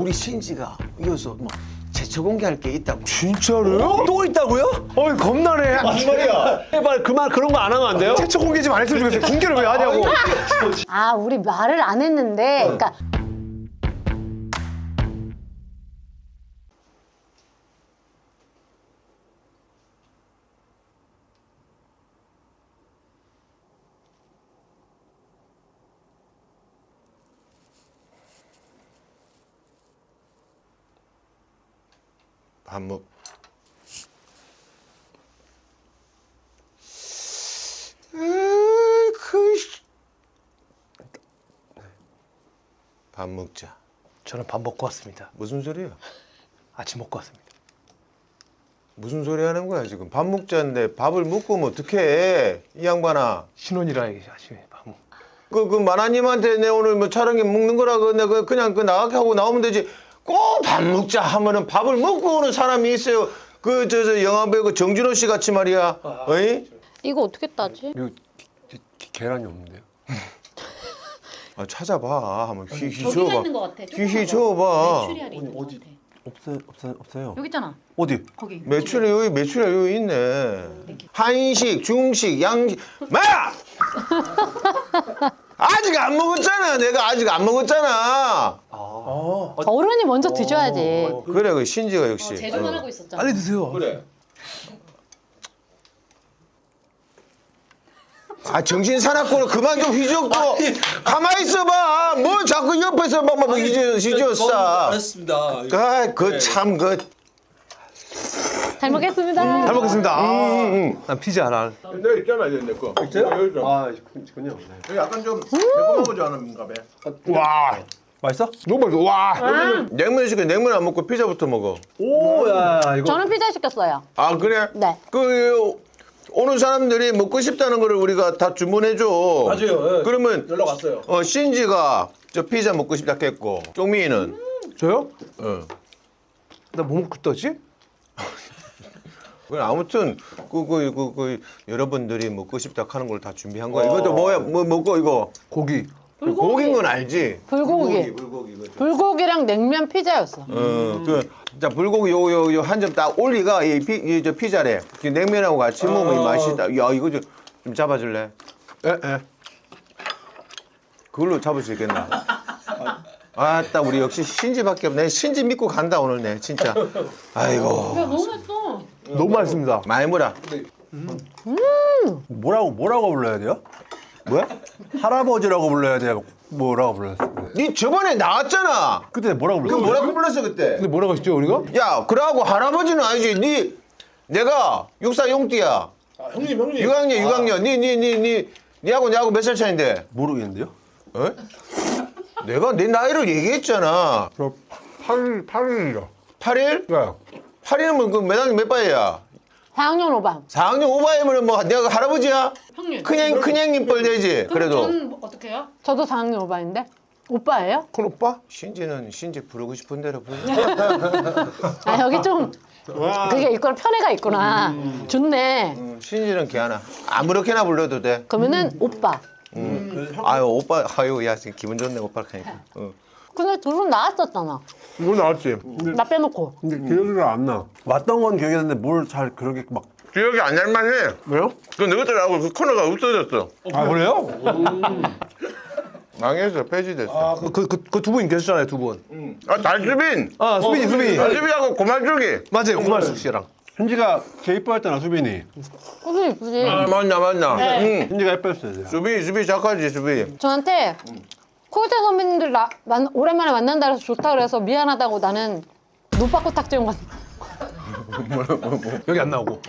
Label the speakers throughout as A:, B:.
A: 우리 신지가 이어서 뭐 제초 공개할 게 있다고.
B: 진짜로요?
C: 또 있다고요?
B: 어이 겁나네.
A: 말이야.
C: 제발 그만 그런 거 안 하면 안 돼요?
B: 최초 공개 좀 안 했으면 좋겠어요. 공개를 왜 하냐고.
D: 아, 우리 말을 안 했는데, 그러니까
A: 밥 먹. 밥 먹자.
B: 저는 밥 먹고 왔습니다.
A: 무슨 소리야?
B: 아침 먹고 왔습니다.
A: 무슨 소리 하는 거야 지금? 밥 먹자는데 밥을 먹고 오면 어떡해? 이 양반아.
B: 신혼이라 아침에 밥 먹.
A: 그 마나님한테 내 오늘 뭐 촬영에 먹는 거라고 내가 그냥 그 나가게 하고 나오면 되지. 꼭 밥 먹자 하면은 밥을 먹고 오는 사람이 있어요. 그 저 영화배우 그 정준호 씨 같이 말이야. 어이?
D: 이거 어떻게 따지?
C: 이거 계란이 없는데요?
A: 아, 찾아봐. 한번 휘휘
E: 저기가
A: 줘봐.
E: 있는 것 같아.
A: 휘휘 줘봐.
E: 메추리알이 있는 것 같아.
C: 없어요.
E: 여기 있잖아.
C: 어디?
E: 거기.
A: 매출이 여기 있네. 한식, 중식, 양식. 마야! 아직 안 먹었잖아. 내가 아직 안 먹었잖아.
D: 어른이 먼저 드셔야지.
A: 그래, 그 신지가 역시.
E: 제조만 하고 있었잖아.
B: 빨리 드세요.
A: 그래. 아 정신 사납고 그만 좀 휘젓고 가만히 있어봐. 뭘 자꾸 옆에서 막 휘저었어.
F: 알았습니다.
A: 그참그
D: 잘 먹겠습니다.
B: 잘 먹겠습니다. 난 피자 하나.
F: 내 있잖아 이제 내 거. 있어요? 여기 좀.
C: 아, 그군요. 네.
F: 여기 약간 좀 매콤하지 않은가 봐.
B: 와,
C: 맛있어?
B: 너무 맛있어. 와.
A: 냉면 시켜. 냉면 안 먹고 피자부터 먹어.
C: 오, 야, 이거.
D: 저는 피자 시켰어요.
A: 아 그래?
D: 네.
A: 그 오는 사람들이 먹고 싶다는 거를 우리가 다 주문해 줘.
F: 맞아요. 예.
A: 그러면
F: 연락 왔어요.
A: 신지가 저 피자 먹고 싶다 했고 쪽미는
B: 저요?
A: 어.
B: 나 뭐 먹고 있다지?
A: 그래 아무튼 그 여러분들이 먹고 싶다 하는 걸 다 준비한 거야. 이것도 뭐야? 뭐 먹고 이거
B: 고기.
A: 고기인 건 알지?
D: 불고기.
A: 불고기 이거.
D: 불고기랑 냉면 피자였어.
A: 자 불고기 요 한 점 딱 올리가 저 피자래. 그 냉면하고 같이 먹으면 이 맛있다. 야 이거 좀 잡아줄래?
B: 에.
A: 그걸로 잡을 수 있겠나? 아따 우리 역시 신지밖에 없네. 신지 믿고 간다 오늘 내 진짜. 아이고
E: 야 너무 맛있어.
B: 너무 맛있습니다.
A: 많이 물어.
C: 뭐라고 불러야 돼요?
A: 뭐야?
C: 할아버지라고 불러야 돼요? 뭐라고 불렀어요?
A: 니 저번에 나왔잖아.
C: 그때 뭐라고 불렀어요?
A: 뭐라고 불렀어 그때?
B: 근데 뭐라고 했죠 우리가?
A: 야 그러고 할아버지는 아니지. 내가 육사 용띠야.
F: 아, 형님.
A: 6학년. 니하고 나하고 몇 살 차인데?
C: 모르겠는데요?
A: 어? 내가 내 나이를 얘기했잖아.
B: 저 8일이요.
A: 8일?
B: 네.
A: 8일이면 몇 학년 몇 바이야?
D: 4학년 5반.
A: 4학년 5바이면 뭐 내가 할아버지야?
E: 형님.
A: 큰형님 뻘 되지. 그래도
E: 저는 어떻게 해요?
D: 저도 4학년 5반인데. 오빠예요?
B: 큰 오빠?
A: 신지는 신지 부르고 싶은 대로 불러.
D: 아, 여기 좀 그게 있구나. 편애가 있구나. 좋네.
A: 신지는 걔하나 아무렇게나 불러도 돼.
D: 그러면은 오빠.
A: 아유 오빠 아유 야 지금 기분 좋네 오빠 하니까.
D: 근데 둘 은 나왔었잖아.
B: 뭐 나왔지?
D: 나 빼놓고.
B: 근데 기억이 안 나.
C: 왔던 건 기억이 나는데 뭘 잘 그렇게 막.
A: 기억이 안 날 만해.
B: 왜요?
A: 그 너희들하고 그 코너가 없어졌어.
B: 아 그래요?
A: 망해서 폐지됐어.
B: 그 두 분 계셨잖아요 두 분.
A: 달수빈.
B: 수빈이.
A: 달수빈하고 고말죽이.
B: 맞아요 고말숙 씨랑.
C: 현지가 걔 이뻐했잖아, 수빈이.
D: 무슨 이쁘지?
A: 맞나. 응.
C: 현지가 이뻐했어요.
A: 수빈이 착하지 수빈이.
D: 저한테 코요태 선배님들 오랜만에 만난다 그래서 좋다 그래서 미안하다고 나는 노빠꾸 탁재훈 같은.
B: 여기 안 나오고.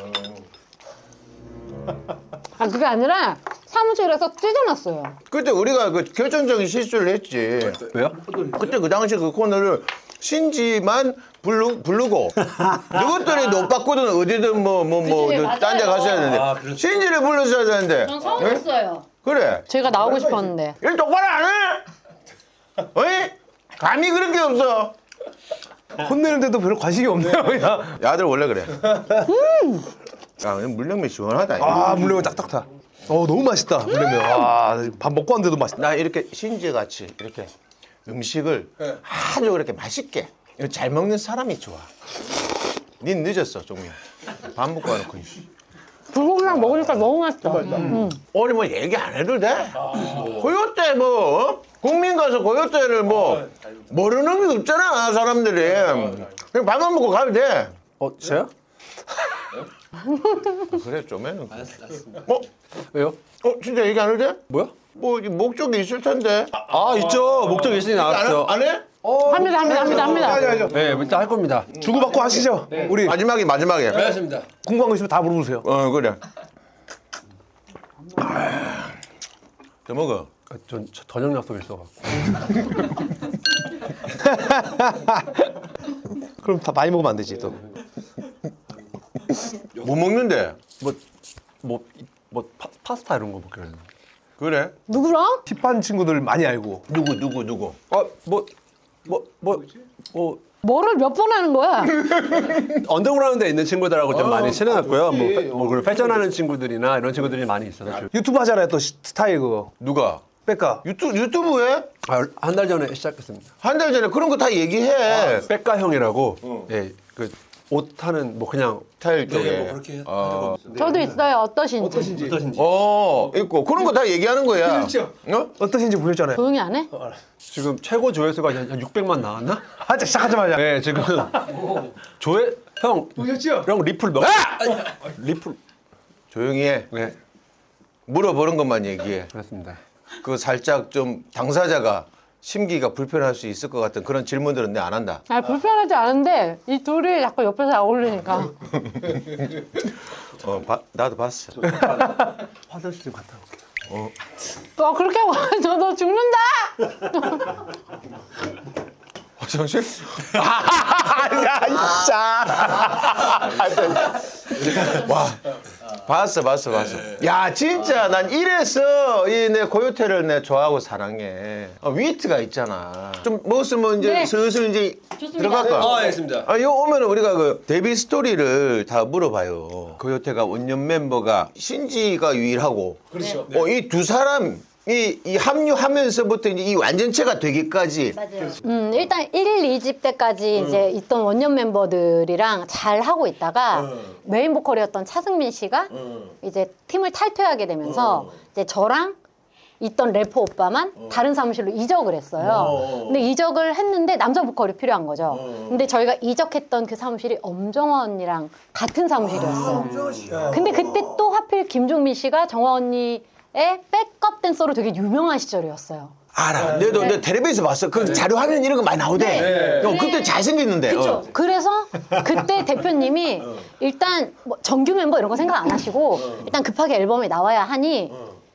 D: 아 그게 아니라 사무실에서 찢어놨어요.
A: 그때 우리가 그 결정적인 실수를 했지.
C: 왜요?
A: 그때 그 당시 그 코너를 신지만 부르고 누구들이 못 바꾸든 어디든
E: 그치,
A: 딴 데
E: 맞아요.
A: 갔어야 되는데
F: 아, 그렇지.
A: 신지를 불렀어야 되는데.
E: 전 서운했어요.
A: 그래.
D: 제가 나오고 싶었는데.
A: 일 똑바로 안 해? 어이? 감이 그런 게 없어.
B: 혼내는데도 별로 관심이 없네요 그냥.
A: 야들 원래 그래. 야, 물냉면 시원하다.
B: 아 물냉면 딱딱 타. 너무 맛있다 물냉면. 밥 먹고 왔는데도 맛있다.
A: 나 이렇게 신지 같이 이렇게 음식을
F: 네.
A: 아주 그렇게 맛있게 잘 먹는 사람이 좋아. 닌 늦었어, 종민. 밥 먹고 와놓고.
D: 불고기랑 먹으니까 너무 맛있어.
A: 오늘 뭐 얘기 안 해도 돼? 고요태 뭐 어? 국민 가서 고요태를 뭐 모르는 게 없잖아 사람들이. 그냥 밥만 먹고 가면 돼.
C: 저요?
A: 그래 좀에는.
C: 왜요?
A: 진짜 얘기 안 해도 돼?
C: 뭐야?
A: 뭐 목적이 있을 텐데.
C: 아 있죠. 목적 있으니 나왔죠.
A: 안 해?
D: 합니다.
C: 네, 일단 할 겁니다.
B: 주고받고 하시죠. 우리
A: 마지막에.
C: 알겠습니다.
B: 궁금한 거 있으면 다 물어보세요.
A: 그래. 더 먹어.
C: 전 저녁 약속이 있어갖고.
B: 그럼 다 많이 먹으면 안 되지 또.
A: 뭐 먹는데?
C: 파스타 이런 거 먹기로 했는데.
A: 그래?
D: 누구랑?
B: 힙한 친구들 많이 알고.
A: 누구?
D: 뭐를 몇 번 하는 거야?
C: 언더그라운드에 있는 친구들하고 좀 많이 친해졌고요. 그리고 패션하는 친구들이나 이런 친구들이 많이 있어서.
B: 유튜브 하잖아요 또 스타일 그거.
A: 누가?
B: 백가.
A: 유튜브에?
C: 한 달 전에 시작했습니다.
A: 한 달 전에 그런 거 다 얘기해.
C: 백가 형이라고. 예, 그 옷 하는 뭐 그냥
A: 스타일 쪽에.
C: 그렇게
D: 저도 있어요. 어떠신지.
A: 있고 그런 거 다 얘기하는 거야.
B: 어떠신지 보셨잖아요.
D: 조용히 안 해?
C: 지금 최고 조회수가 한 600만 나왔나?
B: 하자 시작하자마자.
C: 네, 지금 조회 형
B: 보셨죠?
C: 형 리플 몇? 리플.
A: 조용히 해.
C: 네,
A: 물어보는 것만 얘기해.
C: 그렇습니다.
A: 그 살짝 좀 당사자가 심기가 불편할 수 있을 것 같은 그런 질문들은 내 안 한다.
D: 아 불편하지 않은데 이 둘이 자꾸 옆에서 어울리니까.
A: 나도 봤어.
C: 화장실 좀 갔다 올게요.
D: 또 그렇게 와서 너 죽는다.
A: 화장실? 야, 진짜. 와, 봤어. 야, 진짜 난 이래서 이 내 고요태를 내 좋아하고 사랑해. 위트가 있잖아. 좀 먹었으면 이제
D: 네.
A: 슬슬 이제
E: 좋습니다.
A: 들어갈까?
C: 알겠습니다.
A: 이거 오면은 우리가 그 데뷔 스토리를 다 물어봐요. 고요태가 원년 멤버가 신지가 유일하고.
F: 그렇죠.
A: 이 두 사람. 이 합류하면서부터 이제 이 완전체가 되기까지
E: 맞아요.
D: 일단 1, 2집 때까지 이제 있던 원년 멤버들이랑 잘 하고 있다가 메인 보컬이었던 차승민 씨가 이제 팀을 탈퇴하게 되면서 이제 저랑 있던 래퍼 오빠만 다른 사무실로 이적을 했어요. 근데 이적을 했는데 남자 보컬이 필요한 거죠. 근데 저희가 이적했던 그 사무실이 엄정화 언니랑 같은 사무실이었어요. 근데 그때 또 하필 김종민 씨가 정화 언니의 백업 댄서로 되게 유명한 시절이었어요.
A: 알아. 내 텔레비에서 봤어. 그 자료 화면 이런 거 많이 나오대. 그때 잘생겼는데.
D: 그렇죠. 그래서 그때 대표님이 일단 뭐 정규 멤버 이런 거 생각 안 하시고 일단 급하게 앨범에 나와야 하니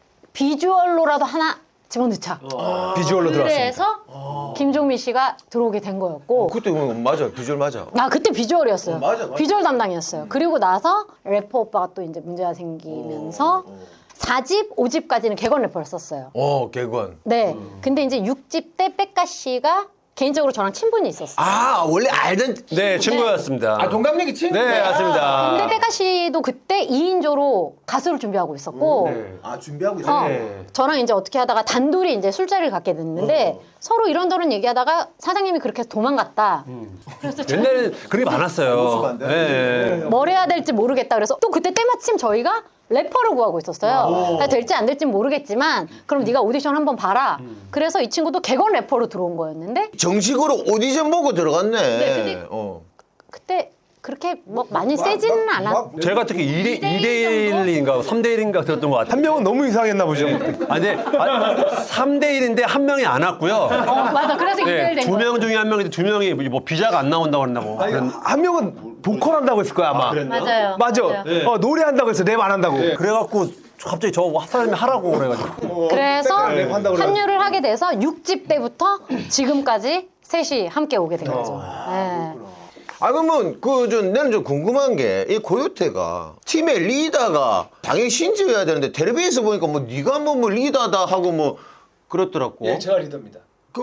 D: 비주얼로라도 하나 집어넣자.
B: 비주얼로 들어왔습니다.
D: 그래서 김종민 씨가 들어오게 된 거였고
A: 그때 맞아. 비주얼 맞아.
D: 그때 비주얼이었어요.
F: 맞아.
D: 비주얼 담당이었어요. 그리고 나서 래퍼 오빠가 또 이제 문제가 생기면서 4집, 5집까지는 객원 래퍼를 썼어요.
A: 개관.
D: 네. 근데 이제 6집 때 백가 씨가 개인적으로 저랑 친분이 있었어요.
A: 원래 알던.
C: 네, 친구였습니다.
F: 동갑내기 친구.
C: 네, 맞습니다.
D: 근데 백가 씨도 그때 2인조로 가수를 준비하고 있었고
F: 준비하고 있어.
D: 저랑 이제 어떻게 하다가 단둘이 이제 술자리를 갖게 됐는데 서로 이런저런 얘기하다가 사장님이 그렇게 해서 도망갔다. 그래서
C: 옛날에는 그게 많았어요. 네.
D: 뭘 해야 될지 모르겠다. 그래서 또 그때 때마침 저희가 래퍼를 구하고 있었어요. 될지 안 될지 모르겠지만 그럼 네가 오디션 한번 봐라. 그래서 이 친구도 객원 래퍼로 들어온 거였는데
A: 정식으로 오디션 보고 들어갔네.
D: 근데 그때 그렇게 뭐 많이 세지는 않았.
C: 제가 특히 2대 1인가 3대 1인가 들었던 것 같아요.
B: 한 명은 너무 이상했나 보죠.
C: 근데 3대 1인데 한 명이 안 왔고요.
D: 맞아. 그래서
C: 네,
D: 2대1 된
C: 두
D: 거예요.
C: 명 중에 한 명인데 두 명이 뭐 비자가 안 나온다고 그런다고.
B: 한 명은 보컬 한다고 했을 거야 아마.
E: 맞아요.
B: 맞아.
E: 맞아요.
B: 노래 한다고 해서 랩 안 한다고.
C: 그래갖고 갑자기 저 사람이 하라고 그래가지고.
D: 그래서
B: 랩 한다고
D: 합류를 하게 돼서 6집 때부터 지금까지 셋이 함께 오게 된 거죠. 네.
A: 그러면 나는 좀 궁금한 게 이 고요태가 팀의 리더가 당연히 신지여야 되는데 텔레비에서 보니까 뭐 네가 뭐 리더다 하고 뭐 그렇더라고.
F: 예, 제가 리더입니다.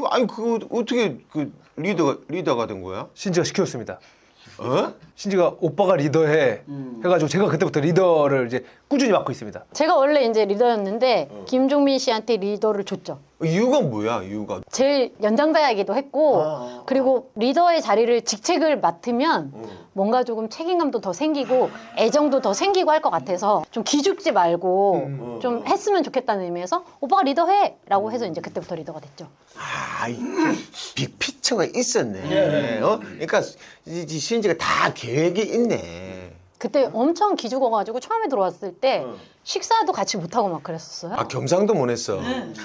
A: 어떻게 리더가 된 거야?
B: 신지가 시켰습니다.
A: 어?
B: 신지가 오빠가 리더해 해가지고 제가 그때부터 리더를 이제 꾸준히 맡고 있습니다.
D: 제가 원래 이제 리더였는데 김종민 씨한테 리더를 줬죠.
A: 이유가 뭐야 이유가?
D: 제일 연장자이기도 했고 그리고 리더의 자리를 직책을 맡으면 뭔가 조금 책임감도 더 생기고 애정도 더 생기고 할 것 같아서 좀 기죽지 말고 좀 했으면 좋겠다는 의미에서 오빠가 리더해! 라고 해서 이제 그때부터 리더가 됐죠.
A: 아, 빅피처가 있었네. 그러니까 이 신지가 다 계획이 있네.
D: 그때 엄청 기죽어가지고 처음에 들어왔을 때 식사도 같이 못하고 막 그랬었어요.
A: 아 경상도 못 했어.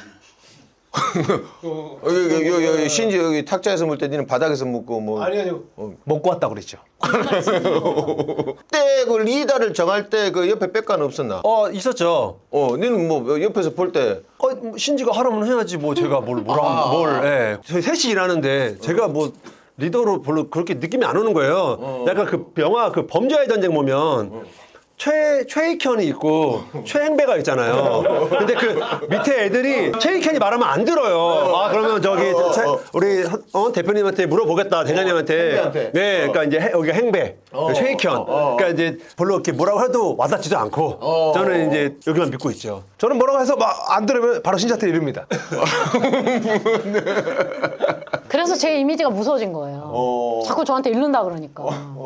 A: 여기 신지 여기 탁자에서 물 때 니는 바닥에서 묵고 뭐.
F: 아니요.
B: 먹고 왔다 그랬죠.
A: 그때 그 리더를 정할 때 그 옆에 백가는 없었나?
C: 있었죠.
A: 니는 뭐 옆에서 볼 때.
C: 신지가 하라면 해야지 뭐 제가 예. 저희 셋이 일하는데 제가 뭐 리더로 별로 그렇게 느낌이 안 오는 거예요. 약간 그 영화 그 범죄와의 전쟁 보면 최익현이 있고 최행배가 있잖아요. 근데 그 밑에 애들이 최익현이 말하면 안 들어요. 아 그러면 저기 우리 대표님한테 물어보겠다 대장님한테.
F: 행배한테.
C: 네, 그러니까 이제 여기가 행배 최익현. 그러니까 이제 별로 이렇게 뭐라고 해도 와닿지도 않고 저는 이제 여기만 믿고 있죠.
B: 저는 뭐라고 해서 막 안 들으면 바로 신지한테 이릅니다.
D: 그래서 제 이미지가 무서워진 거예요. 자꾸 저한테 이른다 그러니까.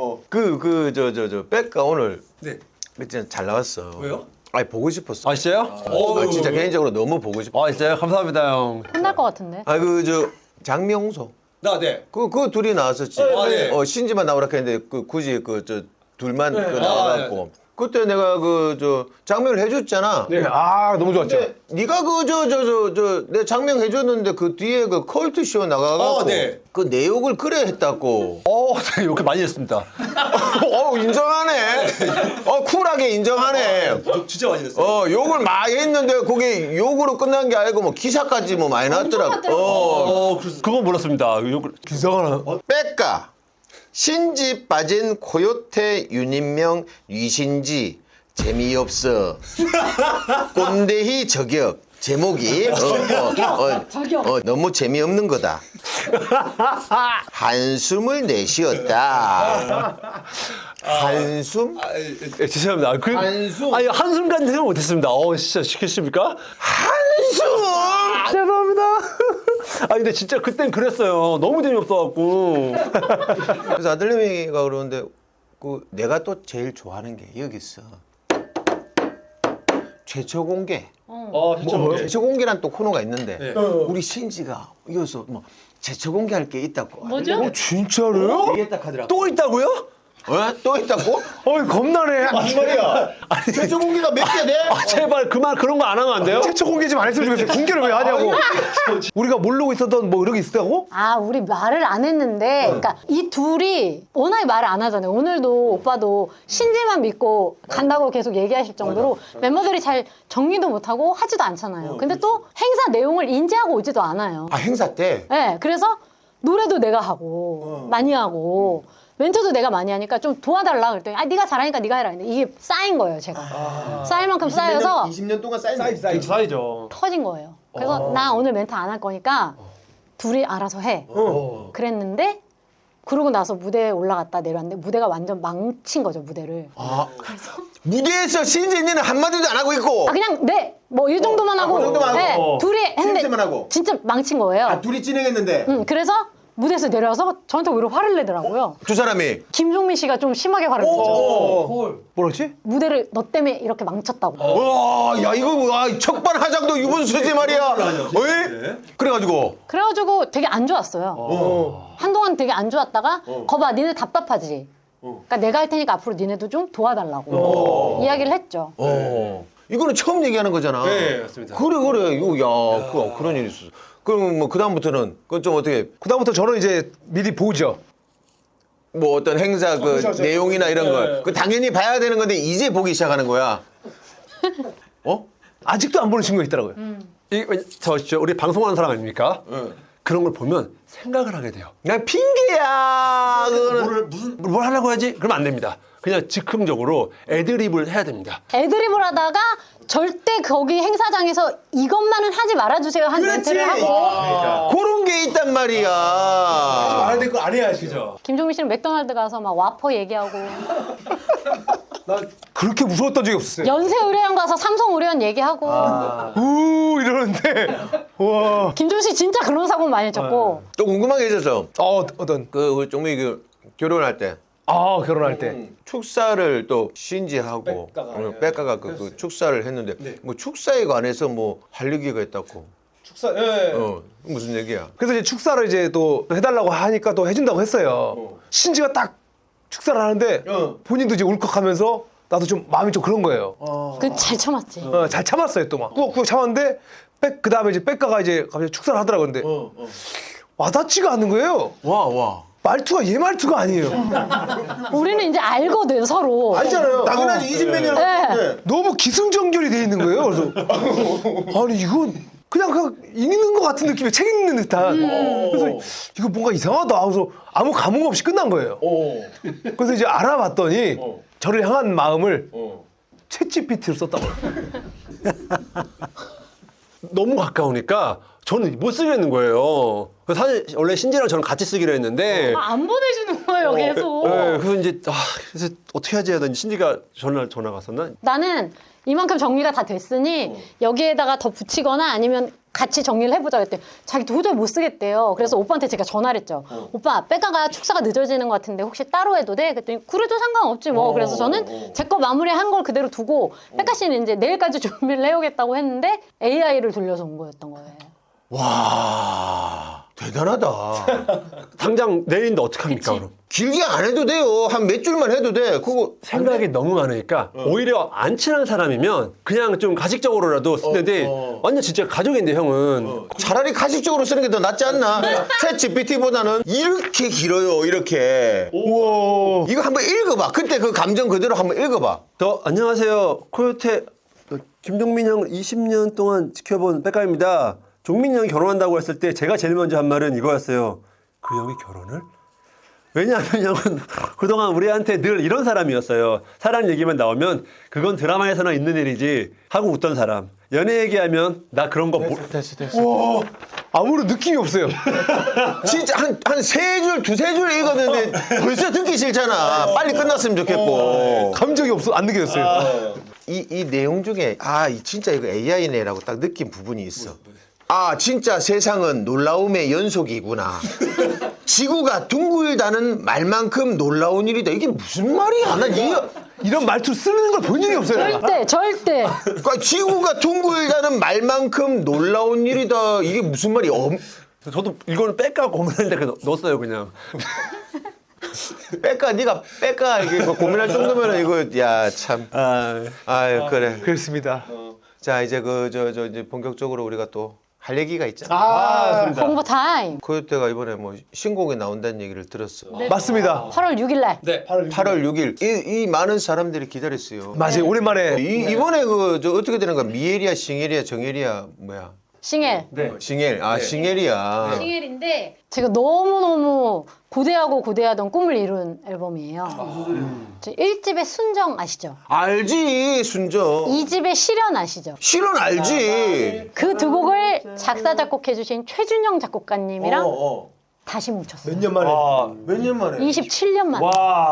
A: 저 백가 오늘
F: 네.
A: 진짜 잘 나왔어.
F: 왜요?
A: 아니 보고 싶었어.
C: 아 진짜요?
A: 아, 진짜 개인적으로 너무 보고 싶어.
C: 아 진짜요? 감사합니다 형.
D: 혼날 것 같은데.
A: 아 장명홍소.
F: 네.
A: 그 둘이 나왔었지.
F: 네.
A: 신지만 나오라 했는데 굳이 둘만
F: 네.
A: 나와갖고. 그때 내가 장명을 해줬잖아.
B: 네, 아 너무 좋았죠.
A: 근데 네가 내 장명 해줬는데 그 뒤에 그 컬트 쇼 나가갖고
F: 네.
A: 그 내욕을 그래 했다고.
C: 네, 이렇게 많이 했습니다.
A: 인정하네. 쿨하게 인정하네.
F: 진짜 많이 됐어요.
A: 욕을 많이 했는데 그게 욕으로 끝난 게 아니고 뭐 기사까지 뭐 많이 났더라고.
C: 그건 몰랐습니다.
B: 기사가 나.
A: 백가 신지 빠진 코요태 윤인명 유신지 재미없어 꼰대희 저격 제목이 너무 재미없는 거다. 한숨을 내쉬었다. 한숨?
C: 죄송합니다.
F: 한숨?
C: 아니 한순간 생각 못했습니다. 진짜 시켰습니까?
A: 한숨!
C: 죄송합니다. 근데 진짜 그땐 그랬어요. 너무 재미없어갖고.
A: 그래서 아들내미가 그러는데 내가 또 제일 좋아하는 게 여기 있어. 최초 공개. 최초 공개란 또 코너가 있는데 우리 신지가 이어서 뭐 최초 공개할 게 있다고.
E: 뭐죠?
B: 진짜로요?
F: 얘기했다 하더라고.
C: 또 있다고요?
A: 또 있다고?
B: 겁나네.
F: 무슨 말이야? 최초 공개가 몇 개 돼?
C: 제발 그만 그런 거 안 하면 안 돼요?
B: 최초 공개 좀 안 했으면 좋겠어요. 공개를 왜 하냐고. 우리가 모르고 있었던 뭐 이런 게 있었다고?
D: 우리 말을 안 했는데, 그러니까 이 둘이 워낙에 말을 안 하잖아요. 오늘도 오빠도 신지만 믿고 간다고 계속 얘기하실 정도로 멤버들이 잘 정리도 못하고 하지도 않잖아요. 근데 또 행사 내용을 인지하고 오지도 않아요.
A: 행사 때?
D: 네, 그래서 노래도 내가 하고 많이 하고 멘트도 내가 많이 하니까 좀 도와달라 그랬더니 네가 잘하니까 네가 해라. 근데 이게 쌓인 거예요, 제가. 쌓일 만큼 쌓여서
F: 20년 동안 쌓인
C: 사이죠.
D: 터진 거예요. 그래서 나 오늘 멘트 안 할 거니까 둘이 알아서 해. 그랬는데 그러고 나서 무대에 올라갔다 내려왔는데 무대가 완전 망친 거죠, 무대를.
A: 무대에서 신지는 한마디도 안 하고 있고.
D: 그냥 뭐 이 정도만 하고.
F: 그 정도만 하고.
D: 네, 둘이 했는데
F: 신지만 하고.
D: 진짜 망친 거예요.
F: 둘이 진행했는데.
D: 그래서 무대에서 내려와서 저한테 오히려 화를 내더라고요.
A: 두 사람이.
D: 김종민 씨가 좀 심하게 화를 내죠.
B: 뭐라지?
D: 무대를 너 때문에 이렇게 망쳤다고.
A: 와, 야 이거 척반하장도 유분수지 말이야. 그래가지고.
D: 그래가지고 되게 안 좋았어요. 한동안 되게 안 좋았다가 거봐 니네 답답하지. 그러니까 내가 할 테니까 앞으로 니네도 좀 도와달라고 이야기를 했죠.
A: 이거는 처음 얘기하는 거잖아.
F: 네, 맞습니다.
A: 그래 이거 그런 일이 있었어. 그럼 뭐 그다음부터는 그건 좀 어떻게
B: 그다음부터 저는 이제 미리 보죠.
A: 뭐 어떤 행사 내용이나 이런 걸 그 당연히 봐야 되는 건데 이제 보기 시작하는 거야.
B: 아직도 안 보는 친구가 있더라고요.
C: 우리 방송하는 사람 아닙니까? 그런 걸 보면 생각을 하게 돼요.
A: 그냥 핑계야. 그거는
C: 뭘 하려고 하지? 그러면 안 됩니다. 그냥 즉흥적으로 애드립을 해야 됩니다.
D: 애드립을 하다가 절대 거기 행사장에서 이것만은 하지 말아주세요 한 멘트를 하고
A: 그런 게 있단 말이야.
F: 말할 때 그거 안 해야지. 그죠?
D: 김종민 씨는 맥도날드 가서 막 와퍼 얘기하고
B: 그렇게 무서웠던 적이 없었어요.
D: 연세 의료원 가서 삼성 의료원 얘기하고
B: 이러는데 와.
D: 김종민 씨 진짜 그런 사고 많이 쳤고.
A: 또 궁금한 게 있었어.
B: 어떤?
A: 그 종민이 그 결혼할 때
B: 아, 결혼할 때.
A: 축사를 또 신지하고 백가가 그 축사를 했는데 뭐 축사에 관해서 뭐 할 얘기가 있다고.
F: 축사. 예.
A: 무슨 얘기야?
B: 그래서 이제 축사를 이제 또 해달라고 하니까 또 해준다고 했어요. 신지가 딱 축사를 하는데 본인도 이제 울컥하면서 나도 좀 마음이 좀 그런 거예요.
D: 그 잘 참았지.
B: 잘 참았어요 또 막. 꾹꾹 참았는데 그 다음에 이제 백가가 이제 갑자기 축사를 하더라고. 근데 와닿지가 않는 거예요.
A: 와.
B: 말투가 얘 말투가 아니에요.
D: 우리는 이제 알거든 서로.
B: 알잖아요.
F: 당연하지 20몇 년.
D: 네.
B: 너무 기승전결이 돼 있는 거예요. 그래서 아니 이건 그냥 읽는 것 같은 느낌의 책 읽는 듯한. 그래서 이거 뭔가 이상하다. 그래서 아무 감흥 없이 끝난 거예요. 그래서 이제 알아봤더니 저를 향한 마음을 챗GPT로 썼다고.
C: 너무 가까우니까 저는 못 쓰겠는 거예요. 그래서 사실 원래 신지랑 저는 같이 쓰기로 했는데
E: 안 보내주는 거예요, 계속.
C: 네, 그래서 이제 그래서 어떻게 하지 하더니 신지가 전화가 왔었나?
D: 나는 이만큼 정리가 다 됐으니 여기에다가 더 붙이거나 아니면 같이 정리를 해보자 그랬더니 자기 도저히 못 쓰겠대요. 그래서 오빠한테 제가 전화를 했죠. 오빠 백가가 축사가 늦어지는 것 같은데 혹시 따로 해도 돼? 그랬더니 그래도 상관없지 뭐. 그래서 저는 제 거 마무리한 걸 그대로 두고 백가 씨는 이제 내일까지 준비를 해오겠다고 했는데 AI를 돌려서 온 거였던 거예요.
A: 와 대단하다.
C: 당장 내일인데 어떡합니까 그럼?
A: 길게 안 해도 돼요. 한 몇 줄만 해도 돼. 그거
C: 생각이 너무 많으니까 오히려 안 친한 사람이면 그냥 좀 가식적으로라도 쓰는데 완전 진짜 가족인데 형은
A: 차라리 가식적으로 쓰는 게 더 낫지 않나? 챗 GPT보다는 이렇게 길어요. 이렇게.
B: 우와.
A: 이거 한번 읽어봐. 그때 그 감정 그대로 한번 읽어봐.
C: 안녕하세요 코요태 김종민 형 20년 동안 지켜본 백가입니다. 종민 형이 결혼한다고 했을 때 제가 제일 먼저 한 말은 이거였어요. 그 형이 결혼을? 왜냐하면 형은 그동안 우리한테 늘 이런 사람이었어요. 사랑 얘기만 나오면 그건 드라마에서나 있는 일이지 하고 웃던 사람. 연애 얘기하면 나 그런 거
A: 됐어.
B: 아무런 느낌이 없어요.
A: 진짜 한 세 줄, 두세 줄 읽었는데 벌써 듣기 싫잖아. 빨리 끝났으면 좋겠고.
B: 감정이 안 느껴졌어요.
A: 이 내용 중에 진짜 이거 AI네라고 딱 느낀 부분이 있어. 진짜 세상은 놀라움의 연속이구나. 지구가 둥글다는 말만큼 놀라운 일이다. 이게 무슨 말이야? 나
B: 이런 말투 쓰는 걸 본 적이 없어요. 내가.
D: 절대.
A: 그러니까 지구가 둥글다는 말만큼 놀라운 일이다. 이게 무슨 말이야?
C: 저도 이거는 뺄까 고민했는데 그냥 넣었어요 그냥.
A: 네가 이게 고민할 정도면 이거 야 참. 아유 그래.
B: 그렇습니다.
A: 자 이제 이제 본격적으로 우리가 또 할 얘기가 있잖아.
D: 공부 타임.
A: 코요태가 이번에 뭐 신곡에 나온다는 얘기를 들었어.
B: 맞습니다.
D: 8월 6일 날.
A: 8월 6일 이 많은 사람들이 기다렸어요.
B: 맞아요. 오랜만에
A: 이번에 어떻게 되는 거야? 미에리아, 싱에리아, 정에리아 뭐야?
D: 싱엘.
A: 싱엘. 싱엘이야.
E: 싱엘인데
D: 제가 너무너무 고대하던 꿈을 이룬 앨범이에요. 저 1집의 순정 아시죠?
A: 알지 순정.
D: 2집의 실현 아시죠?
A: 실은 알지.
D: 그 두 곡을 작사 작곡해주신 최준영 작곡가님이랑 다시 뭉쳤어요.
F: 몇 년 만에? 몇 년 만에?
D: 27년 만에.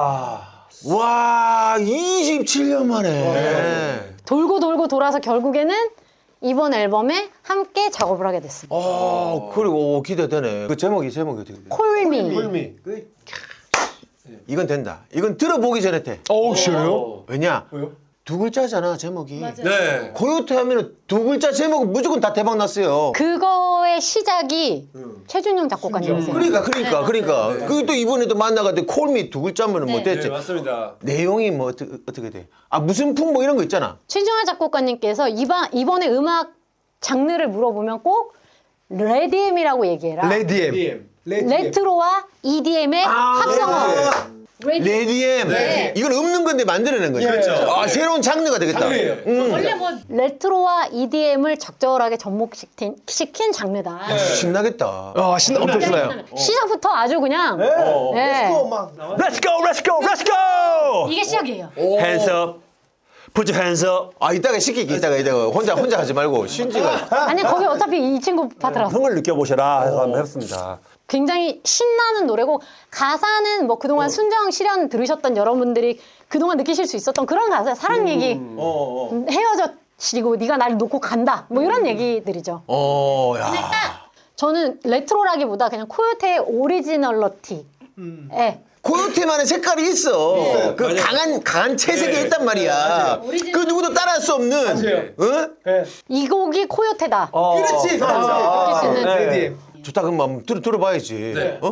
A: 와 27년 만에.
D: 돌고 돌아서 결국에는 이번 앨범에 함께 작업을 하게 됐습니다.
A: 그리고 기대되네. 그 제목이 어떻게 돼?
D: 콜미.
A: 이건 된다. 이건 들어보기 전에 돼.
B: 싫어요?
A: 왜냐? 두 글자잖아 제목이.
F: 네.
A: 코요태 하면은 두 글자 제목은 무조건 다 대박 났어요.
D: 그거의 시작이 최준영 작곡가님이세요.
A: 그러니까. 그리고 또 이번에도 만나가지고 콜미 두 글자면은 뭐 됐지.
F: 맞습니다.
A: 내용이 뭐 어떻게 돼? 무슨 풍 뭐 이런 거 있잖아.
D: 최준영 작곡가님께서 이번에 음악 장르를 물어보면 꼭 레디엠이라고 얘기해라.
B: 레디엠.
D: 레트로와 EDM의 합성어.
A: 레디엠. 이건 없는 건데 만들어낸 거죠. 그렇죠. 새로운 장르가 되겠다.
E: 원래 뭐
D: 레트로와 EDM을 적절하게 접목시킨 장르다.
A: 신나겠다.
B: 엄청 신나요.
D: 시작부터 아주 그냥 네.
C: Let's go.
E: 이게 시작이에요.
C: Hands up. Put your hands up.
A: 이따가 시키기 이따가 혼자 하지 말고 신지가.
D: 아니 거기 어차피 이 친구 파트라.
C: 성을 느껴보셔라 해서 한번 해봤습니다.
D: 굉장히 신나는 노래고 가사는 뭐 그동안 순정 실현 들으셨던 여러분들이 그동안 느끼실 수 있었던 그런 가사 사랑 얘기 헤어졌 지고 네가 나를 놓고 간다. 뭐 이런 얘기들이죠.
A: 야.
D: 저는 레트로라기보다 그냥 코요테의 오리지널러티. 예.
A: 코요테만의 색깔이 있어. 그 강한 채색이 있단 말이야. 그 누구도 따라할 수 없는. 어?
D: 이 곡이 코요테다.
F: 그렇지.
D: 느낄 수 있는.
B: 네.
A: 좋다 그럼 한번 들어봐야지. 어?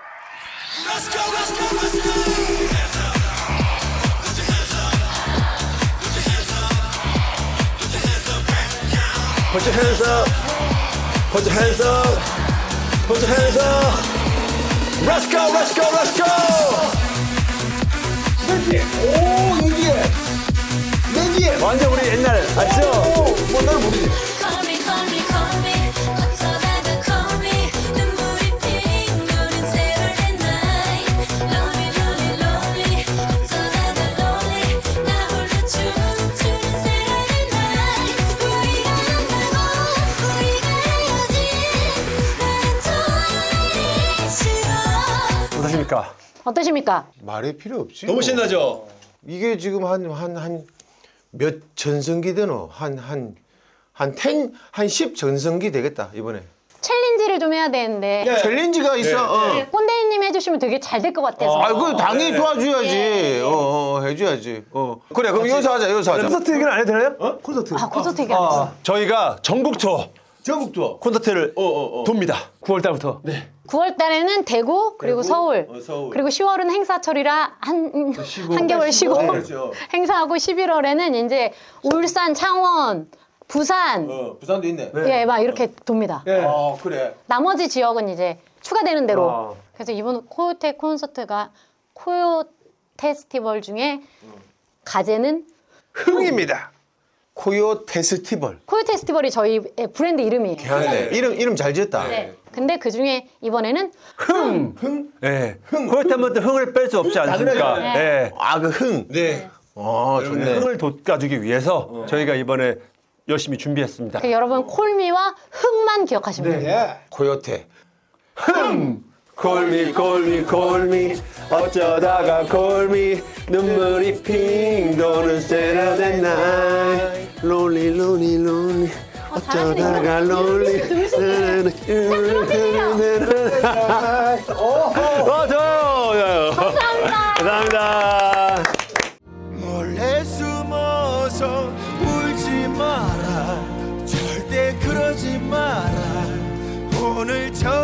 C: Put your hands up. Put your hands up. Put your hands up. Let's go, let's go, let's go.
F: 오 이게 맨디에.
C: 완전 우리 옛날 알죠?
F: 뭐날 모르지.
G: Call me, call me, call me. 어쩌다가 call me. 눈물이 핑 도는 Saturday night. Lonely, lonely, lonely. 어쩌다가 lonely. 나 홀로 춤추는 Saturday night. 우리가 만나고 우리가 헤어진 나는 또 싫어.
C: 어떠십니까?
D: 어떠십니까?
A: 말이 필요 없지.
F: 너무 신나죠.
A: 이게 지금 한 몇 전성기 되노? 한 10 전성기 되겠다 이번에.
D: 챌린지를 좀 해야 되는데
A: 챌린지가 있어.
D: 꼰대이님 해주시면 되게 잘 될 것 같아서.
A: 아, 그 당연히 도와줘야지. 해줘야지. 그래, 그럼 여기서 하자.
B: 콘서트 얘기는 안 해도 되나요? 콘서트.
D: 아 콘서트 얘기 안 했어.
C: 저희가 전국 투어
F: 전국 투어.
C: 콘서트를 돕니다.
B: 9월 달부터.
D: 9월 달에는 대구 그리고 서울,
F: 서울.
D: 그리고 10월은 행사철이라 한 개월 쉬고
F: 그렇죠.
D: 행사하고 11월에는 이제 울산, 창원, 부산
F: 부산도 있네.
D: 예, 막 이렇게 돕니다.
B: 예.
F: 아 그래.
D: 나머지 지역은 이제 추가되는 대로.
B: 아.
D: 그래서 이번 코요테 콘서트가 코요 페스티벌 중에 가제는
B: 흥입니다.
A: 코요 페스티벌.
D: 코요 페스티벌이 저희 브랜드 이름이에요.
A: 네. 이름 잘 지었다.
D: 네. 근데 그 중에 이번에는
C: 예. 코요테한테 흥을 뺄 수 없지 않습니까?
D: 당연하죠.
C: 예.
A: 아, 그 흥.
F: 네.
A: 좋네.
C: 흥을 돋궈주기 위해서 저희가 이번에 열심히 준비했습니다.
D: 그 여러분 콜미와 흥만 기억하시면 돼요.
F: 예.
A: 코요테.
C: 콜미 콜미 콜미 어쩌다가 콜미 눈물이 핑 도는 Saturday night 롤리 롤리 롤리 어쩌다가 롤리 좋아요. 감사합니다.
F: 몰래 숨어서 울지 마라. 절대 그러지 마라. 오늘 저